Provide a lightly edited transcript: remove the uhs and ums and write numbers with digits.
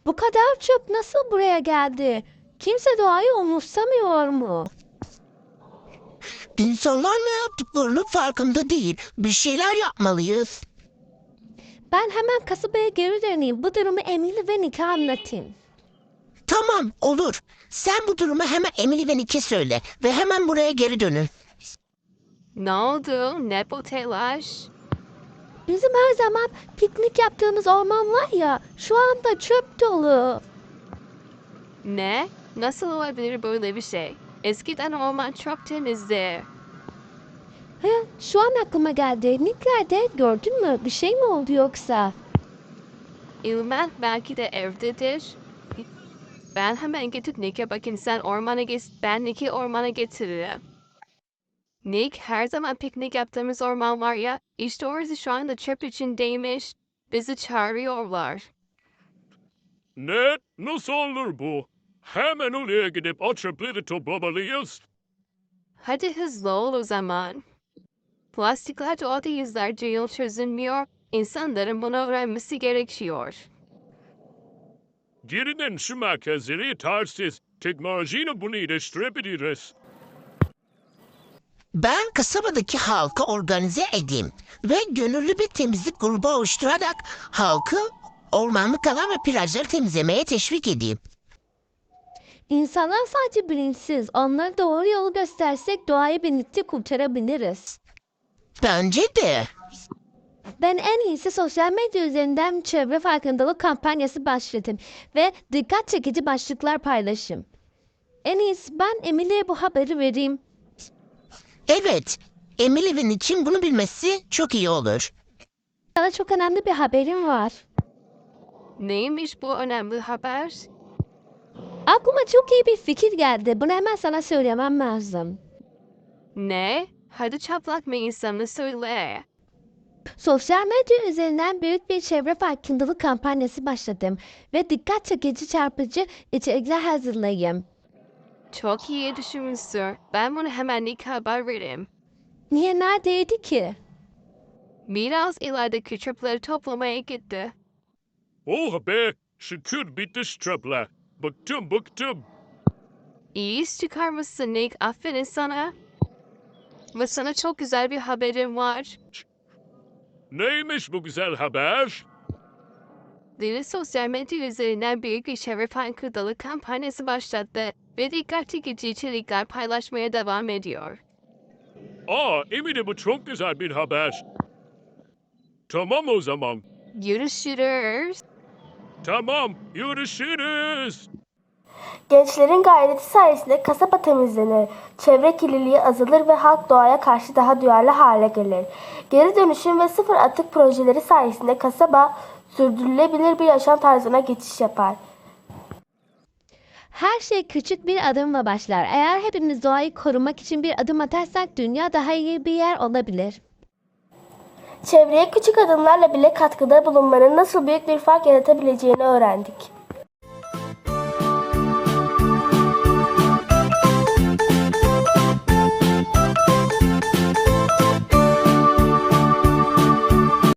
Bu kadar çöp nasıl buraya geldi? Kimse doğayı umursamıyor mu? İnsanlar ne yaptıklarının farkında değil. Bir şeyler yapmalıyız. Ben hemen kasabaya geri döneyim. Bu durumu Emily ve Nick'e anlatayım. Tamam, olur. Sen bu durumu hemen Emily ve Nick'e söyle ve hemen buraya geri dönün. Ne oldu? Ne bu telaş? Bizim her zaman piknik yaptığımız orman var ya, şu anda çöp dolu. Ne? Nasıl olabilir böyle bir şey? Eskiden orman çok temizdi. He, şu an aklıma geldi. Nick nerede? Gördün mü? Bir şey mi oldu yoksa? İlmen belki de evdedir. Ben hemen gidip Nick'e bakayım, sen ormana git, ben Nick'i ormana getiririm. Nick, her zaman piknik yaptığımız orman var ya, işte orası şu anda çöp içindeymiş. Bizi çağırıyorlar. Ne? Nasıl olur bu? Hemen oraya gidip o çöpleri toplamalıyız. Hadi hızlı ol o zaman. Plastikler doğada yüzlerce yıl çözülmüyor. İnsanların bunu öğrenmesi gerekiyor. Gerinin şu merkezleri tersiz. Teknolojiyle bunu iyileştirebiliriz. Ben kasabadaki halkı organize edeyim ve gönüllü bir temizlik grubu oluşturarak halkı ormanlık alan ve plajları temizlemeye teşvik edeyim. İnsanlar sadece bilinçsiz. Onlara doğru yolu göstersek doğayı birlikte kurtarabiliriz. Bence de. Ben en iyisi sosyal medya üzerinden çevre farkındalık kampanyası başlatayım ve dikkat çekici başlıklar paylaşayım. En iyisi ben Emily'ye bu haberi vereyim. Evet, Emily'nin için bunu bilmesi çok iyi olur. Sana çok önemli bir haberim var. Neymiş bu önemli haber? Aklıma çok iyi bir fikir geldi. Bunu hemen sana söylemem lazım. Ne? Hadi çaplak mı insanı söyle. Sosyal medya üzerinden büyük bir çevre farkındalık kampanyası başladım ve dikkat çekici çarpıcı içerikler hazırlayayım. Çok iyi düşünmüşsün. Ben bunu hemen Nick'e haber vereyim. Niye neredeydi ki? Biraz ilerideki çöpleri toplamaya gitti. Oh be! Şükür bitti şu çöpler. Bıktım. İyi iş çıkarmışsın Nick. Aferin sana. Ve sana çok güzel bir haberim var. Neymiş bu güzel haber? Dili sosyal medya üzerinden büyük bir çevre farkındalık kampanyası başlattı ve dikkat çekici içerikler paylaşmaya devam ediyor. Eminim bu çok güzel bir haber. Tamam o zaman. Görüşürüz. Tamam, görüşürüz. Gençlerin gayreti sayesinde kasaba temizlenir, çevre kirliliği azalır ve halk doğaya karşı daha duyarlı hale gelir. Geri dönüşüm ve sıfır atık projeleri sayesinde kasaba sürdürülebilir bir yaşam tarzına geçiş yapar. Her şey küçük bir adımla başlar. Eğer hepimiz doğayı korumak için bir adım atarsak dünya daha iyi bir yer olabilir. Çevreye küçük adımlarla bile katkıda bulunmanın nasıl büyük bir fark yaratabileceğini öğrendik.